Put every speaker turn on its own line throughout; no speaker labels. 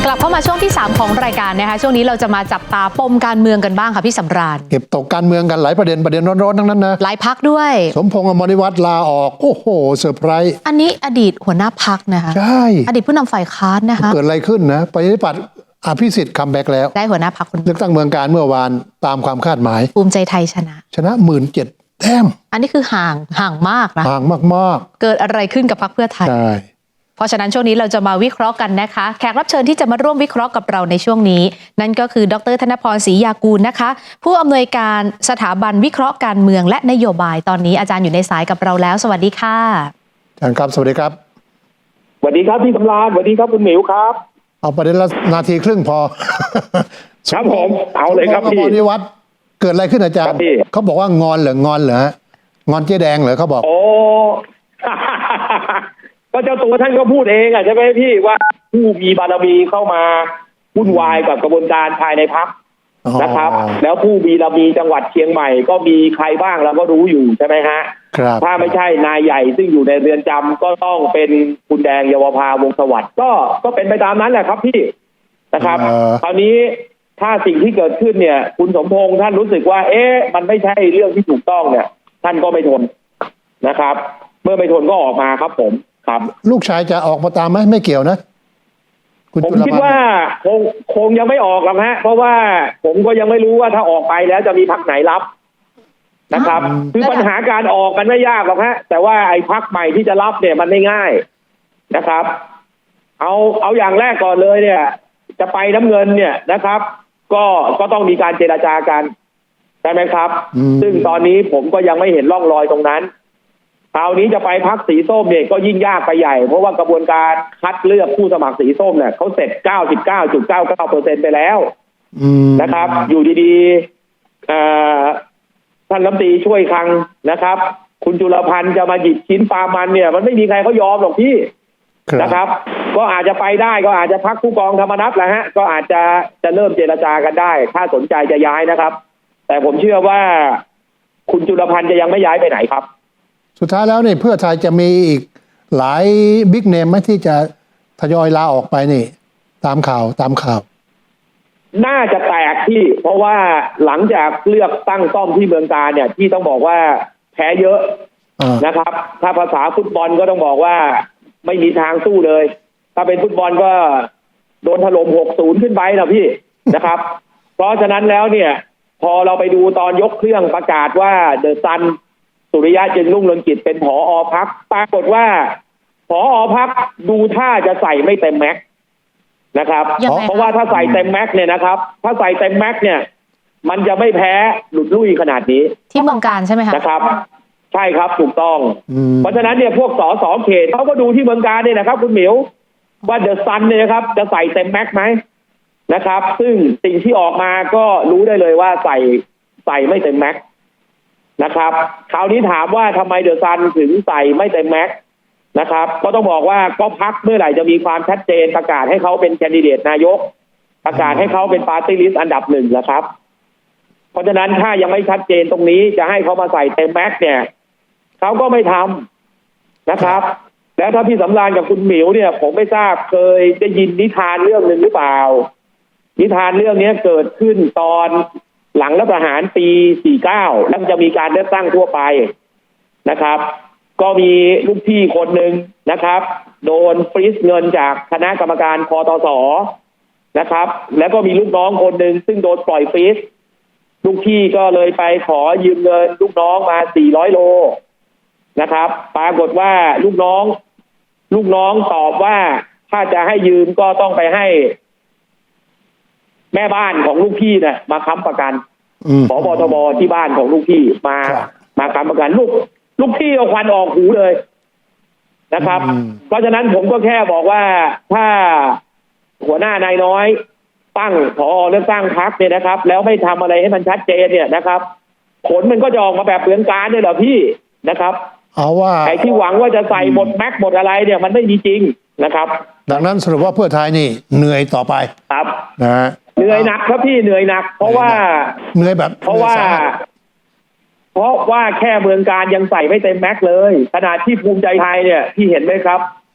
ลับเข้ามาช่วงที่3ของรายการนะคะช่วงนี้เราจะมาจับตาปมการเมืองกันบ้างค่ะพี่สำราญ
เก็บตกการเมืองกันหลายประเด็นร้อนๆทั้งนั้นนะ
หลายพักด้วย
สมพงษ์อมรวิวัฒน์ลาออกโอ้โหเซอร์ไพรส์
อันนี้อดีตหัวหน้าพักนะคะ
ใช่
อดีตผู้นำฝ่ายค้านนะคะ
เกิดอะไรขึ้นนะประชาธิปัตย์อภิสิทธิ์คัมแบ็กแล้ว
ได้หัวหน้าพักคน
เลือกตั้งเมืองการเมื่อวานตามความคาดหมาย
ภูมิใจไทยชนะ
17,000 แต้ม
อันนี้คือห่างมากนะ
ห่างมาก
ๆเกิดอะไรขึ้นกับพรรคเพื่อไทย
ใช่
เพราะฉะนั้นช่วงนี้เราจะมาวิเคราะห์กันนะคะแขกรับเชิญที่จะมาร่วมวิเคราะห์กับเราในช่วงนี้นั่นก็คือดร.ธนพร ศรียากูลนะคะผู้อำนวยการสถาบันวิเคราะห์การเมืองและนโยบายตอนนี้อาจารย์อยู่ในสายกับเราแล้วสวัสดีค่ะ
อาจารย์ครับสวัสดีครับ
สวัสดีครับพี่สำราญสวัสดีครับคุณหมิวครับ
เอาประเด็นละนาทีครึ่งพอ
ครับผมเอาเลยครับพี่
อมรวิวัฒน์เกิดอะไรขึ้นอาจารย์เขาบอกว่างอนเหรองอนเจ๊แดงเหรอเขาบอก
โอ้ ก็เจ้าตัวท่านก็พูดเองใช่ไหมพี่ว่าผู้มีบารมีเข้ามาวุ่นวายกับกระบวนการภายในพรรคนะครับแล้วผู้มีบารมีจังหวัดเชียงใหม่ก็มีใครบ้างเราก็รู้อยู่ใช่ไหมฮะถ้าไม่ใช่นายใหญ่ซึ่งอยู่ในเรือนจำก็ต้องเป็นคุณแดงเยาวภาวงศ์สวัสดิ์ก็เป็นไปตามนั้นแหละครับพี่นะครับคราวนี้ถ้าสิ่งที่เกิดขึ้นเนี่ยคุณสมพงษ์ท่านรู้สึกว่ามันไม่ใช่เรื่องที่ถูกต้องเนี่ยท่านก็ไม่ทนนะครับเมื่อไม่ทนก็ออกมาครับผมครับ
ลูกชายจะออกมาตามไหมไม่เกี่ยวนะ
ผมคิดว่าคงยังไม่ออกหรอกฮะเพราะว่าผมก็ยังไม่รู้ว่าถ้าออกไปแล้วจะมีพรรคไหนรับนะครับคือปัญหาการออกมันไม่ยากหรอกฮะแต่ว่าไอ้พรรคใหม่ที่จะรับเนี่ยมันไม่ง่ายนะครับเอาอย่างแรกก่อนเลยเนี่ยจะไปน้ำเงินเนี่ยนะครับก็ต้องมีการเจรจากันใช่ไหมครับซึ่งตอนนี้ผมก็ยังไม่เห็นร่องรอยตรงนั้นคราวนี้จะไปพรรคสีส้มเนี่ยก็ยิ่งยากไปใหญ่เพราะว่ากระบวนการคัดเลือกผู้สมัครสีส้มเนี่ยเขาเสร็จ 99.99% ไปแล้วนะครับอยู่ดีๆท่านรัฐมนตรีช่วยคลังนะครับคุณจุลพันธ์จะมาหยิบชิ้นปลามันเนี่ยมันไม่มีใครเขายอมหรอกพี่นะครับก็อาจจะไปได้ก็อาจจะพรรคผู้กองธรรมนัสแหละฮะก็อาจจะเริ่มเจรจากันได้ถ้าสนใจจะย้ายนะครับแต่ผมเชื่อว่าคุณจุลพันธ์จะยังไม่ย้ายไปไหนครับ
สุดท้ายแล้วนี่เพื่อไทยจะมีอีกหลายบิ๊กเนมไหมที่จะทยอยลาออกไปนี่ตามข่าว
น่าจะแตกที่เพราะว่าหลังจากเลือกตั้งซ่อมที่เมืองการเนี่ยที่ต้องบอกว่าแพ้เยอะนะครับถ้าภาษาฟุตบอลก็ต้องบอกว่าไม่มีทางสู้เลยถ้าเป็นฟุตบอลก็โดนถล่ม 6-0 ขึ้นไปนะพี่นะครับ เพราะฉะนั้นแล้วเนี่ยพอเราไปดูตอนยกเครื่องประกาศว่าเดอะซันสุริยะจึงรุ่งเรืองกิจเป็นผอ.พรรคปรากฏว่าผอ.พรรคดูท่าจะใส่ไม่เต็มแม็กซ์นะครับเพราะว่าถ้าใส่เต็มแม็กซ์เนี่ยนะครับถ้าใส่เต็มแม็กซ์เนี่ยมันจะไม่แพ้หลุดลุ่ยขนาดนี้
ที่เมืองการใช่ไหมคะ
นะครับใช่ครับถูกต้องเพราะฉะนั้นเนี่ยพวกสสเขตเขาก็ดูที่เมืองการเนี่ยนะครับคุณหมิวว่าเดอะซันเนี่ยนะครับจะใส่เต็มแม็กซ์ไหมนะครับซึ่งสิ่งที่ออกมาก็รู้ได้เลยว่าใส่ไม่เต็มแม็กซ์นะครับคราวนี้ถามว่าทำไมเดอะซันถึงใส่ไม่เต็มแม็กซ์นะครับก็ต้องบอกว่าก็พรรคเมื่อไหร่จะมีความชัดเจนประกาศให้เขาเป็นแคนดิเดตนายกประกาศให้เขาเป็นปาร์ตี้ลิสต์อันดับ1แล้วครับเพราะฉะนั้นถ้ายังไม่ชัดเจนตรงนี้จะให้เขามาใส่เต็มแม็กซ์เนี่ยเขาก็ไม่ทำนะครับแล้วถ้าพี่สำราญกับคุณหมิวเนี่ยผมไม่ทราบเคยได้ยินนิทานเรื่องหนึ่งหรือเปล่านิทานเรื่องนี้เกิดขึ้นตอนหลังรัฐประหารปี 49 แล้วจะมีการเลือกตั้งทั่วไปนะครับก็มีลูกพี่คนหนึ่งนะครับโดนฟรีซเงินจากคณะกรรมการคตส.นะครับแล้วก็มีลูกน้องคนหนึ่งซึ่งโดนปล่อยฟรีซลูกพี่ก็เลยไปขอยืมเงินลูกน้องมา400 โลนะครับปรากฏว่าลูกน้องตอบว่าถ้าจะให้ยืมก็ต้องไปให้แม่บ้านของลูกพี่เนี่ยมาค้ำประกันผบ.ทบ.ที่บ้านของลูกพี่มาค้ำประกันลูกพี่เอาควันออกหูเลยนะครับเพราะฉะนั้นผมก็แค่บอกว่าถ้าหัวหน้านายน้อยตั้งผอ.เลือกตั้งพรรคเนี่ยนะครับแล้วไม่ทำอะไรให้มันชัดเจนเนี่ยนะครับผลมันก็จะออกมาแบบเปลืองการเนี่ยเหรอพี่นะครับ
เอาว่า
ไอ้ที่หวังว่าจะใส่หมดแม็กหมดอะไรเนี่ยมันไม่มีจริงนะครับ
ดังนั้นสรุปว่าเพื่อไทยนี่เหนื่อยต่อไป
ครับ
นะ
เหนื่อยหนักครับพี่เหนื่อยหนักเพราะว่า
เหนื่อยแบบ
เพราะว่าแค่เมืองการยังใส่ไม่เต็มแม็กเลยขนาดที่ภูมิใจไทยเนี่ยที่เห็นไหมครับ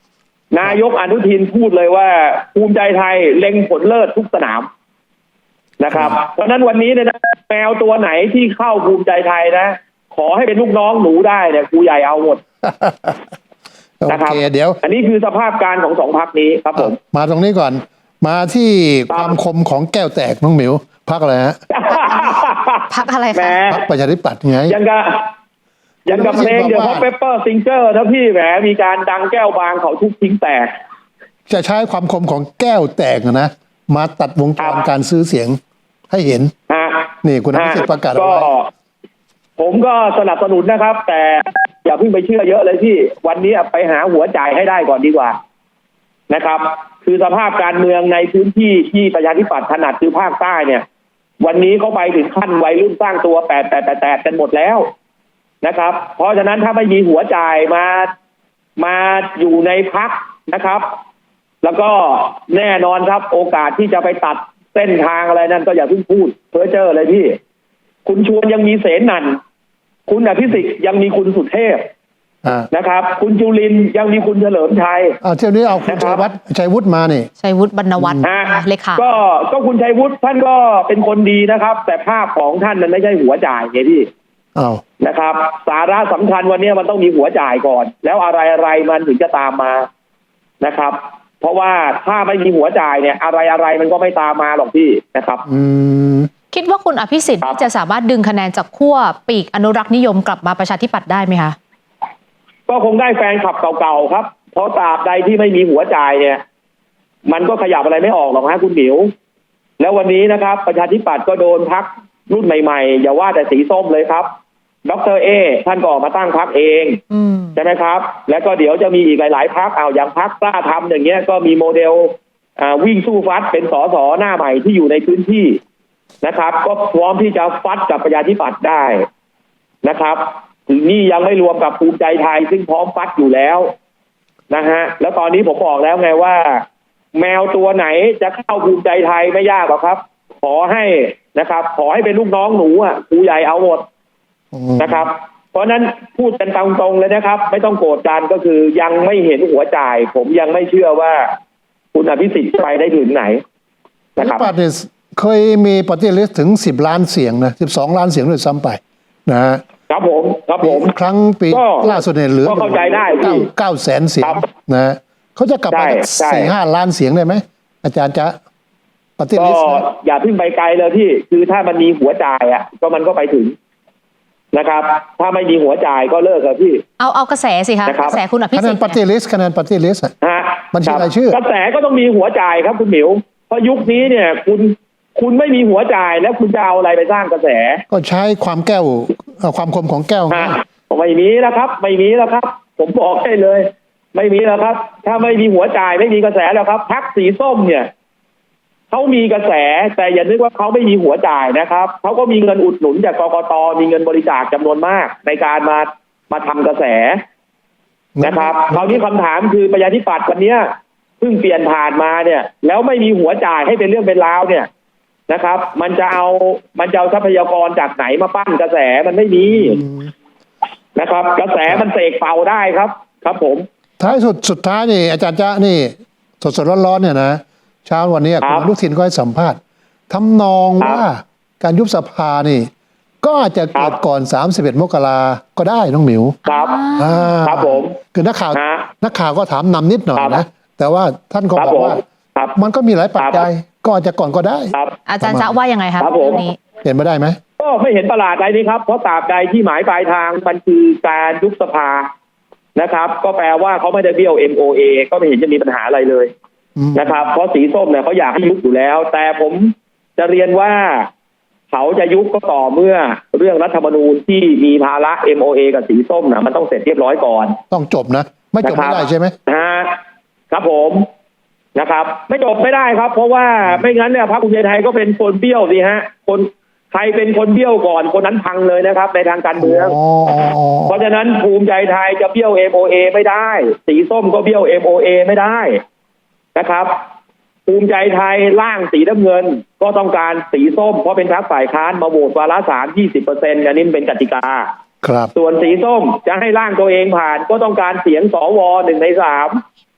นายกอนุทินพูดเลยว่าภูมิใจไทยเล็งผลเลิศทุกสนามนะครับ เพราะฉะนั้นวันนี้เนี่ยนะแมวตัวไหนที่เข้าภูมิใจไทยนะขอให้เป็นลูกน้องหนูได้เนี่ยครูใหญ่เอาหมด
โอ
นะครับ
เคเดี๋ยว
อันนี้คือสภาพการของสองพรรคนี้ครับผม
มาตรงนี้ก่อน มาที่
ค
ครับ วามคมของแก้วแตกน้องหมิวพักอะไรฮะ
พักอะไร
แหม
คะ
พักประชาธิปัตย์ไง
ยังกับเพลงเดี๋ยวพอเปเปอร์ซิงเกอร์นะพี่แหมมีการดังแก้วบางเขาทุกทิ้งแตก
จะใช้ความคมของแก้วแตกนะมาตัดวงจร
ครับ
การซื้อเสียงให้เห็น
ฮะ
นี่คุณอภิสิทธิ์ประกาศเอา
ก็
ไว้
ผมก็สนับสนุนนะครับ แต่อย่าเพิ่งไปเชื่อเยอะเลยพี่วันนี้ไปหาหัวจ่ายให้ได้ก่อนดีกว่านะครับ คือสภาพการเมืองในพื้นที่ที่ประชาธิปัตย์ถนัดคือภาคใต้เนี่ย วันนี้เขาไปถึงขั้นวัยรุ่นสร้างตัวแปดกันหมดแล้วนะครับ เพราะฉะนั้นถ้าไม่มีหัวจ่ายมาอยู่ในพักนะครับ แล้วก็แน่นอนครับโอกาสที่จะไปตัดเส้นทางอะไรนั่นก็อย่าเพิ่งพูดเพ้อเจ้อเลยพี่ คุณชวนยังมีเสนันท์คุณอภิสิทธิ์ยังมีคุณสุเทพ นะครับ คุณจุลินทร์ยังมีคุณเฉลิมชัย
เที่ยวนี้เอาคุณ
นะครับ
ชัยวุฒิมานี่
ชัยวุฒิบรรณวัฒน์ เลขา
ก็คุณชัยวุฒิท่านก็เป็นคนดีนะครับ แต่ภาพของท่านมันไม่ใช่หัวจ่ายไงพี่
อ้าว
นะครับ สาระสำคัญวันนี้มันต้องมีหัวจ่ายก่อน แล้วอะไรมันถึงจะตามมานะครับ เพราะว่าถ้าไม่มีหัวจ่ายเนี่ยอะไรมันก็ไม่ตามมาหรอกพี่นะครับ
คิดว่าคุณอภิสิทธิ์
ครับ
จะสามารถดึงคะแนนจากขั้วปีกอนุรักษ์นิยมกลับมาประชาธิปัตย์ได้ไหมคะ
ก็คงได้แฟนคลับเก่าๆครับ เพราะตราบใดที่ไม่มีหัวจ่ายเนี่ย มันก็ขยับอะไรไม่ออกหรอกฮะคุณหมิว แล้ววันนี้นะครับ ประชาธิปัตย์ก็โดนพักรุ่นใหม่ๆอย่าว่าแต่สีส้มเลยครับดร.เอท่านก็ออกมาตั้งพักเองใช่ไหมครับ แล้วก็เดี๋ยวจะมีอีกหลายๆพักอย่างพักกล้าทำอย่างเงี้ยก็มีโมเดลวิ่งสู้ฟัดเป็นสสหน้าใหม่ที่อยู่ในพื้นที่นะครับ ก็พร้อมที่จะฟัดกับประชาธิปัตย์ได้นะครับถึงนี่ยังไม่รวมกับภูมิใจไทยซึ่งพร้อมฟัดอยู่แล้วนะฮะแล้วตอนนี้ผมบอกแล้วไงว่า แมวตัวไหนจะเข้าภูมิใจไทยไม่ยากหรอกครับ ขอให้นะครับ ขอให้เป็นลูกน้องหนูครูใหญ่เอาหมดนะครับ เพราะนั้นพูดกันตรงๆเลยนะครับ ไม่ต้องโกรธกันก็คือยังไม่เห็นหัวจ่าย ผมยังไม่เชื่อว่าคุณอภิสิทธิ์ไปได้ถึงไหนนะครับ
ปัตย์เนี่ยเคยมีปฏิริษีถึง10 ล้านเสียงนะ12 ล้านเสียงด้วยซ้ำไปนะฮะ
ครับผม
ครั้งปี
ก็
ล่าสุดเนี่ยเหลือ
ก็เข้าใจได้พี่
9 แสนเสียง
ครับ
นะฮะเขาจะกลับไป
ใช่
4-5 ล้านเสียงได้ไหมอาจารย์จะปฏิ
ก็
ริษี
อย่าเพิ่งไปไกลเลยพี่คือถ้ามันมีหัวจ่ายก็มันก็ไปถึงนะครับ ถ้าไม่มีหัวจ่ายก็เลิกกับพี่
เอากระแสสิคะ
นะครับ
กระแสคุณอภิ
คะแน
สิท
น
ธิ์
ปฏิ
เนี่ย
ริษีคะแนนปฏิริษี
ฮะ
บัญชี
คบ
รายชื่อก
ระแสก็ต้องมีหัวจ่ายครับคุณหมิวเพราะยุคนี้เนี่ย คุณไม่มีหัวจ่ายแล้วคุณจะเอาอะไรไปสร้างกระแส
ก็ใช้ความความคมของแก้ว
ฮะไม่มีแล้วครับ ไม่มีแล้วครับ ผมบอกให้เลย ไม่มีแล้วครับ ถ้าไม่มีหัวจ่ายไม่มีกระแสแล้วครับพรรคสีส้มเนี่ยเขามีกระแสแต่อย่านึกว่าเขาไม่มีหัวจ่ายนะครับเขาก็มีเงินอุดหนุนจากกกตมีเงินบริจาคจำนวนมากในการมาทำกระแสนะครับคราวนี้คำถามคือประชาธิปัตย์วันเนี้ยเพิ่งเปลี่ยนผ่านมาเนี่ย แล้วไม่มีหัวจ่ายให้เป็นเรื่องเป็นราวเนี่ยนะครับ มันจะเอาทรัพยากรจากไหนมาปั้นกระแสมันไม่มีนะครับ กระแสมันเสกเป่าได้ครับ ครับผม
ท้ายสุดท้ายนี่อาจารย์จ๊ะนี่สดร้อนๆเนี่ยนะเช้าวันนี้
ค
คุ
รั
ณ
บ
อนุทินก็ให้สัมภาษณ์ทำนอง
ครับ
ว่าการยุบสภานี่ ก็อาจจะเกิด
ครับ
ก่อน31 มกราก็ได้น้องหมิว
ครับ
อ่า
ครับผม
คือนักข่าว
ฮะ
ก็ถามนำนิดหน่อย
ครับ
นะแต่ว่าท่านก็
ครับ
บอกว่า
ผมครับ
มันก็มีหลายปัจจัยก็อาจจะก่อนก็ได้
ครับ
อาจารย์จะว่ายังไงคะ
ครับผม
เรื่องนี้
เป็นไปได้ไหม
ก็ไม่เห็นประหลาดอะไรนี่ครับเพราะตราบใดที่หมายปลายทางมันคือการยุบสภานะครับ ก็แปลว่าเขาไม่ได้เบี้ยว MOA ก็ไม่เห็นจะมีปัญหาอะไรเลยนะครับเพราะสีส้มเนี่ยเขาอยากให้ยุบอยู่แล้ว แต่ผมจะเรียนว่าเขาจะยุบก็ต่อเมื่อเรื่องรัฐธรรมนูญที่มีภาระ MOA กับสีส้มนะมันต้องเสร็จเรียบร้อยก่อน
ต้องจบนะ ไม่จบไม่ได้ใช่ไหม
ครับผมนะครับ ไม่จบไม่ได้ครับ เพราะว่าไม่งั้นเนี่ยพรรคภูมิใจไทยก็เป็นคนเบี้ยวสิฮะคนใครเป็นคนเบี้ยวก่อนคนนั้นพังเลยนะครับ ในทางการเมือง เพราะฉะนั้นภูมิใจไทยจะเบี้ยว MOA ไม่ได้ สีส้มก็เบี้ยว MOA ไม่ได้นะครับ ภูมิใจไทยร่างสีน้ำเงินก็ต้องการสีส้มเพราะเป็นพรรคฝ่ายค้านมาโหวตวาระ3 20%อันนี้เป็นกติกา
ครับ
ส่วนสีส้มจะให้ร่างตัวเองผ่านก็ต้องการเสียงสว1 ใน 3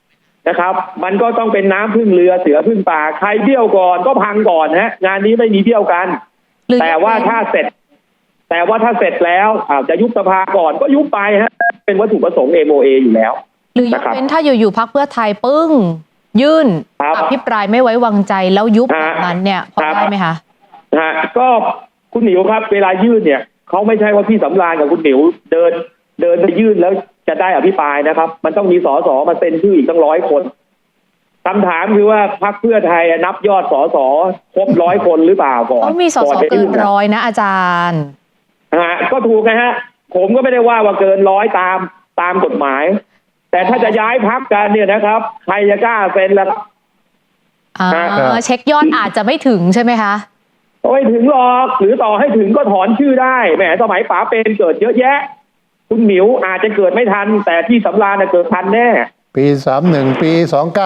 นะครับ มันก็ต้องเป็นน้ำพึ่งเรือเสือพึ่งป่าใครเบี้ยวก่อนก็พังก่อนฮะงานนี้ไม่มีเบี้ยวกัน
หรือ
แต่ว่าถ้าเสร็จแล้วจะยุบสภาก่อนก็ยุบไปฮะเป็นวัตถุประสงค์ MOA อยู่แล้ว
หรือยกเว้นถ้าอยู่ๆพรรคเพื่อไทยปึ้งยื่น
ครับ
อภิปรายไม่ไว้วางใจแล้วยุบ
ฮะ
แบบนั้นเนี่ยพอ
ครับ
ได้ไหมคะ
ก็คุณหมิวครับเวลายื่นเนี่ยเขาไม่ใช่ว่าพี่สำราญกับคุณหมิวเดินไปยื่นแล้วจะได้อภิปรายนะครับ มันต้องมีสสมาเซ็นชื่ออีกตั้ง100 คนคำถามคือว่าพรรคเพื่อไทยนับยอดสสครบ100 คนหรือเปล่าก่อน
เขามีสส
จะ
เกิ
ยื่
นร้อยนะอาจารย์
ก็ถูกนะฮะผมก็ไม่ได้ว่าเกิน100ตามกฎหมาย แต่ถ้าจะย้ายพรรคกันเนี่ยนะครับใครจะกล้าเซ็นล่ะ
เช็คยอดอาจจะไม่ถึงใช่ไหมคะ
ไม่ถึงหรอกหรือต่อให้ถึงก็ถอนชื่อได้แหมสมัยป๋าเป็นเกิดเยอะแยะ คุณหมิวอาจจะเกิดไม่ทัน แต่ที่สำราญเกิดทันแน่
ปี31ปี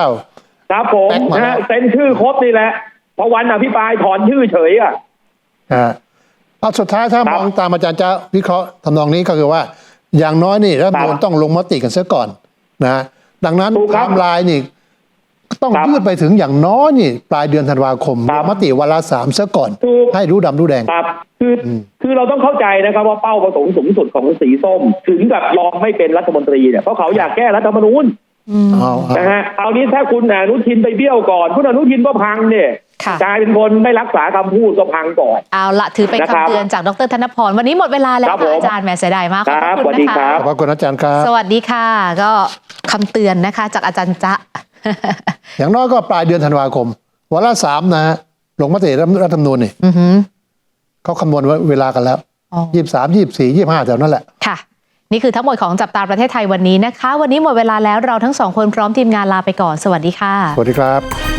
29
ครับผม
แป๊กมาแล้ว
เซ็นชื่อครบนี่แหละพอวันอภิปรายถอนชื่อเฉยอ่ะ
เอาสุดท้ายถ้า
ครับ
มองตามอาจารย์จะวิเคราะห์ทำนองนี้ก็คือว่า อย่างน้อยนี่รัฐธรรมนูญต้องลงมติกันเสียก่อนนะดังนั้น
ถูก
ไท
ครับ
ม์ไลน์นี่ต้อง
ครับ
ยืดไปถึงอย่างน้อยนี่ปลายเดือนธันวาคม
ค
ล
รับ
งมติวาระ3เสียก่อน
ถูก
ให้รู้ดำรู้แดง
ครับคือเราต้องเข้าใจนะครับว่าเป้าประสงค์สูงสุดของสีส้ม ถึงกับรองไม่เป็นรัฐมนตรีเนี่ยเพราะเขาอยากแก้รัฐธรรมนูญ
เอา
นะฮะเอานี้ถ้าคุณอนุทินไปเบี้ยวก่อนคุณอนุทินก็พังเนี่ย
ค่ะ
กลายเป็นคนไม่รักษาคำพูดก็พังก่อน
เอาละถือเป็น
นะครับ
คำเตือนจากดรธนพรวันนี้หมดเวลาแล้ว
ครับ
ค่ะ
ผม
อาจารย์แหมเสียดายมากขอบ
ครับ
พระคุณ
สวัสดี
นะ
ครั
คะ
บ
ขอบคุณอาจารย์ครับ
สวัสดีค่ะ ก็คำเตือนนะคะจากอาจารย์จ๊ะ
อย่างน้อยก็ปลายเดือนธันวาคมวาระ3นะฮะลงมติรัฐธรรมนูญนี่
อือหือ
เขาคำนวณเวลากันแล้ว
อ๋อ
23 24 25แถวนั้นแหละ
ค่ะ นี่คือทั้งหมดของจับตาประเทศไทยวันนี้นะคะ วันนี้หมดเวลาแล้วเราทั้งสองคนพร้อมทีมงานลาไปก่อนสวัสดีค่ะ
สวัสดีครับ